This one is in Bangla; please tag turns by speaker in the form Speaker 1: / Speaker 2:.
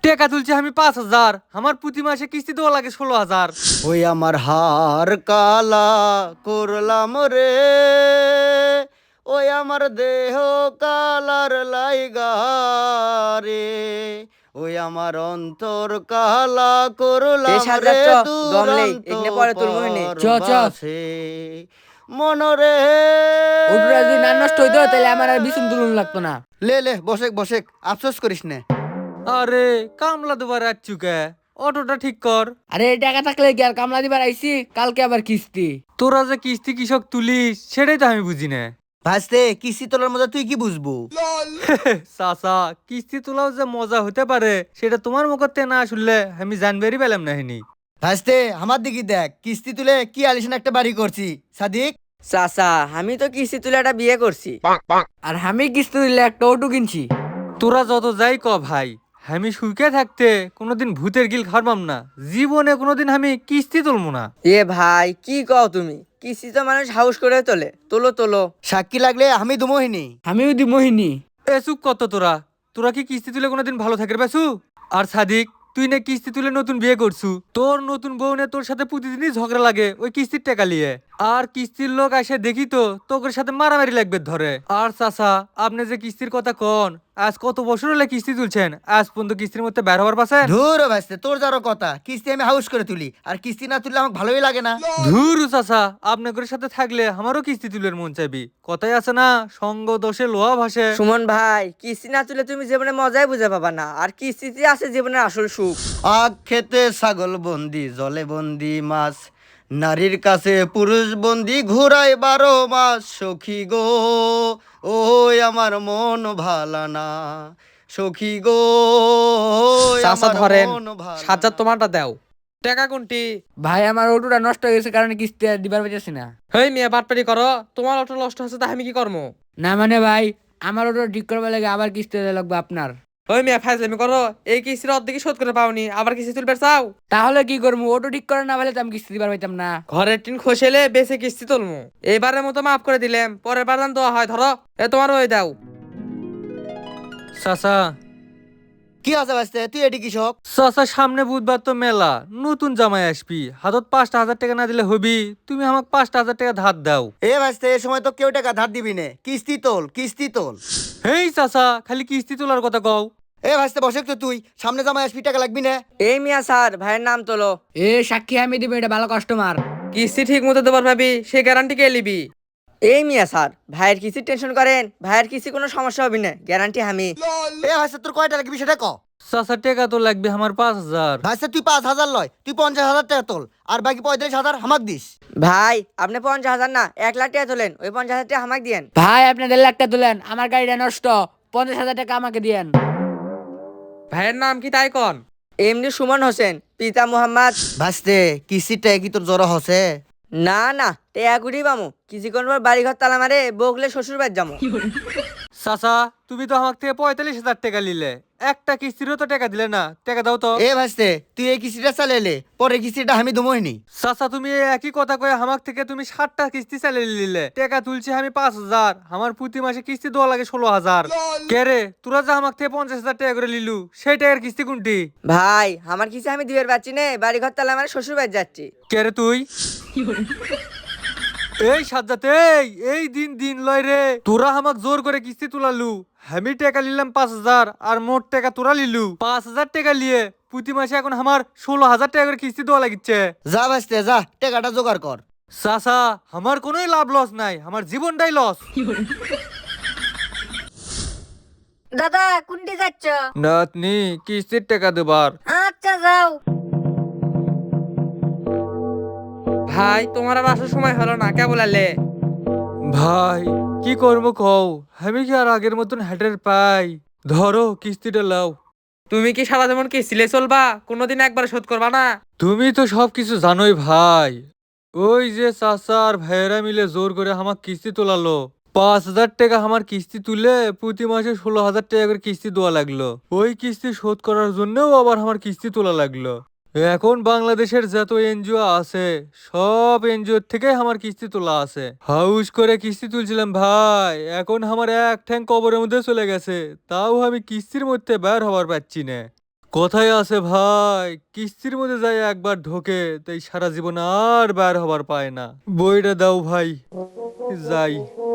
Speaker 1: টাকা তুলছি আমি 5,000, আমার প্রতি মাসে কিস্তি দেওয়া লাগে 16,000।
Speaker 2: ওই আমার হার কালা করলাম রে, ওই আমার দেহ কালার লাইগা রে, ওই আমার অন্তর কালা
Speaker 3: এই
Speaker 2: করলাম
Speaker 3: সাজ্জাদ
Speaker 2: রে
Speaker 3: চ, দম নেই,
Speaker 2: দুরন্ত
Speaker 3: এখানে পরে তোর মোহিনী।
Speaker 4: চ, চ।
Speaker 2: পরবাসে মনরে।
Speaker 4: ওটুরা যদি না নষ্ট হইতো তাহলে আমার আর বিছুন তুলুন লাগতো না।
Speaker 2: লে লে বসেক বসেক, আফসোস করিস নে।
Speaker 1: আরে কামলা দুবার আসছু কে? অটোটা ঠিক কর।
Speaker 4: আরে এই টাকা থাকলে কি আর কামলা দিবার আইছি, কালকে আবার কিস্তি।
Speaker 1: তোরা যে কিস্তি কৃষক তুলিস সেটাই তো আমি বুঝি না।
Speaker 2: ভাসতে কিস্তি তোলার মধ্যে তুই কি বুঝবো?
Speaker 1: চাচা, কিস্তি তোলাও যে মজা হতে পারে সেটা তোমার মুখতে না শুনলে আমি জানবারই পেলাম না হিনি।
Speaker 2: ভাসতে আমার দিকে দেখ, কিস্তি তুলে কি আলিশান একটা বাড়ি করছি। সাদিক,
Speaker 3: চাচা, আমি তো কিস্তি তুলে একটা বিয়ে করছি।
Speaker 4: আর আমি কিস্তি দিলে একটা অটো কিনছি।
Speaker 1: তোরা যত যাই ক ভাই, আমি সুখে থাকতে কোনোদিন ভূতের গিল খারবাম না, জীবনে কোনোদিন আমি কিস্তি তুলবো না।
Speaker 3: এ ভাই, কি কও তুমি? কিস্তি তো মানুষ হাউস করে তোলে, তোলো তোলো।
Speaker 2: সাক্ষী লাগলে আমি দুমোহিনী।
Speaker 4: আমিও দি মোহিনী।
Speaker 1: এ চুপ কত তোরা, তোরা কি কিস্তি তুলে কোনোদিন ভালো থাকবে বেসু? আর সাদিক, তুই না কিস্তি তুলে নতুন বিয়ে করছু, তোর নতুন বউ নে তোর সাথে প্রতিদিনই ঝগড়া লাগে ওই কিস্তির টাকা নিয়ে। আর কিস্তির লোক এসে দেখি তো তোর সাথে মারামারি লাগবে ধরে। আর চাচা, আপনি যে কিস্তির কথা কন, আজ কত বছর হলে কিস্তি তুলছেন, আজ পর্যন্ত কিস্তির মধ্যে বের হবার পাচ্ছেন?
Speaker 2: ধুর ভাসতে, তোর যারো কথা, কিস্তি আমি হাউস করে তুলি, আর কিস্তি না তুললে আমার ভালোই লাগে না।
Speaker 1: ধুর চাচা, আপনাদের সাথে থাকলে আমারও কিস্তি তুলের মন চাইবি। কথাই আছে না, সঙ্গ দোষে লোহা ভাসে।
Speaker 3: সুমন ভাই, কিস্তি না তুলে তুমি জীবনে মজাই বুঝে পাবা না, আর কিস্তিতে আছে জীবনের আসল সুখ।
Speaker 2: আখ খেতে ছাগল বন্দি, জলে বন্দি মাছ, নারীর কাছে পুরুষ বন্দি, ঘুরায় 12 মাস। সখী গো, ওই আমার মন ভালা না, সখী গো, ওই
Speaker 5: চাচা
Speaker 2: আমার
Speaker 5: ধরেন,
Speaker 2: মন ভালা
Speaker 5: সাজ্জাদ
Speaker 2: না।
Speaker 5: তোমারটা দাও। টাকা কোনটি?
Speaker 4: ভাই আমার অটোটা নষ্ট হয়ে গেছে কারণে কিস্তি আর দিবার পাইতেছি না।
Speaker 5: হেই মিয়া, বাটপারি করো। তোমার অটো নষ্ট হচ্ছে, তা আমি কি করবো?
Speaker 4: না মানে ভাই, আমার অটো ঠিক করবার লাগে আবার কিস্তি দেওয়া লাগবে আপনার।
Speaker 5: ওই মিয়া, ফাইজলামি করো। এই কিস্তির অর্ধেকই শোধ করে পাওনি, আবার কিস্তি তুলবে চাও?
Speaker 4: তাহলে কি করবো, অটো ঠিক করে না পারলে তো আমি কিস্তি দিবার পাইতাম না।
Speaker 5: ঘরের টিন খসেলে বেশি কিস্তি তুলমু। এইবারের মতো মাফ করে দিলাম, পরের বার দান দেওয়া হয়। ধরো, তোমার ওই দাও।
Speaker 1: চাচা,
Speaker 2: কি আছে ভাসতে, তুই এটি কৃষক?
Speaker 1: চাচা, সামনে বুধবার তো মেলা, নতুন জামাই আসবি, হাতত 5,000 টাকা না দিলে হবি? তুমি আমাকে 5,000 টাকা ধার দাও।
Speaker 2: এ ভাসতে, এ সময় তো কেউ টাকা ধার দিবি নে, কিস্তি তোল, কিস্তি তোল।
Speaker 1: হেই চাচা, খালি কিস্তি তোলার কথা কও।
Speaker 2: এ ভাসতে বসে তো, তুই সামনে জামাই আসবি, টাকা লাগবি না?
Speaker 3: এই মিয়া স্যার, ভাইয়ের নাম তোলো।
Speaker 4: এ সাক্ষী আমি দিব, এটা ভালো কাস্টমার।
Speaker 5: কিস্তি ঠিক মতো দেবার ভাবি, সে গ্যারান্টি কে লিবি?
Speaker 3: এই মিয়া স্যার, ভাইয়ের কিস্তির টেনশন করেন, ভাইয়ের কিস্তি কোনো সমস্যা হবে না, গ্যারান্টি আমি।
Speaker 2: এ ভাসতে, তোর কয়টা লাগবি সেটা ক।
Speaker 1: চাচা, টাকা তো লাগবে আমার 5,000।
Speaker 2: ভাসতে তুই 5,000 লয়, তুই 50,000 টাকা তোল, আর বাকি 35,000 হামাক দিস।
Speaker 3: ভাই, আপনি 50,000 না 1,00,000 টাকা তোলেন, ওই 50,000 টাকা আমাকে দিয়েন।
Speaker 4: ভাই আপনি 1.5 লাখ টাকা তুলেন, আমার গাড়িটা নষ্ট, 50,000 টাকা আমাকে দিয়েন।
Speaker 5: ভাইয়ের নাম কি তাই কন?
Speaker 3: এমনি সুমন হোসেন, পিতা মোহাম্মদ।
Speaker 2: ভাসতে কিস্তির টাকা কি তোর জ্বর হসে?
Speaker 3: না না, টেয়া কুড়ি পামু, কিছুক্ষণ পর বাড়ি ঘর তালা মারে বগলে শ্বশুর বাড়ি যাবো।
Speaker 1: চাচা, তুমি তো আমার থেকে 45,000 টাকা নিলে, একটা কিস্তিরও তো টাকা দিলে না, টাকা দাও তো।
Speaker 2: এ ভাসতে, তুই এই কিস্তিটা চালাইলে, পরে কিস্তিটা আমি দমইনি।
Speaker 1: চাচা, তুমি এই একই কথা কয়ে আমার থেকে তুমি 60টা কিস্তি চালিয়ে নিলে, টাকা তুলছি আমি 5,000, আমার প্রতি মাসে কিস্তি দেওয়া লাগে 16,000। কে রে, তোরা যে আমার থেকে 50,000 টাকা করে নিলু, সেই টাকার কিস্তি কোনটি?
Speaker 3: ভাই, আমার কিছু আমি দিবের পাচ্ছি নে, বাড়ি ঘর তালা মারে শ্বশুর বাড়ি যাচ্ছি।
Speaker 1: কে রে তুই? এই সাজ্জাদ, এই দিন দিন লয় রে, তোরা আমাক জোর করে কিস্তি তুলালু, আমি টাকা নিলাম 5,000, আর মোট টাকা তোরা লিলু 5,000 টাকা নিয়ে, প্রতি মাসে এখন আমার 16,000 টাকা করে কিস্তি দেওয়া লাগিচ্ছে।
Speaker 2: যা ভাসতে যা, টাকাটা জোগাড় কর।
Speaker 1: চাচা, আমার কোনোই লাভ লস নাই, আমার জীবনটাই লস।
Speaker 6: দাদা কোনটি যাচ্ছ?
Speaker 1: নাতনি, কিস্তির টাকা দেবার।
Speaker 6: আচ্ছা যাও।
Speaker 5: ভাই, তোমার আর আসার সময় হলো না, কে বলালে?
Speaker 1: ভাই, কি করবো কও, আমি কি আর আগের মতন হেটের পাই? ধরো কিস্তিটা লাও।
Speaker 5: তুমি কি সারা জীবন কিস্তিলে চলবা? কোনোদিন একবার শোধ করবা না?
Speaker 1: তুমি তো সবকিছু জানোই ভাই, ওই যে চাচা আর ভাইয়েরা মিলে জোর করে আমার কিস্তি তোলালো, 5,000 টাকা আমার কিস্তি তুলে প্রতি মাসে 16,000 টাকা করে কিস্তি দেওয়া লাগলো। ওই কিস্তি শোধ করার জন্যও আবার আমার কিস্তি তোলা লাগলো। এখন বাংলাদেশের যত এনজিও আছে, সব এনজিও থেকে আমার কিস্তি তোলা আছে, হাউস করে কিস্তি তুলছিলাম ভাই, এখন আমার এক ঠ্যাং কবরের মধ্যে চলে গেছে, তাও আমি কিস্তির মধ্যে বের হবার পাচ্ছি না। কথাই আছে ভাই, কিস্তির মধ্যে যাই একবার ঢোকে তাই সারা জীবন আর বের হবার পায় না। বইটা দাও ভাই, যাই।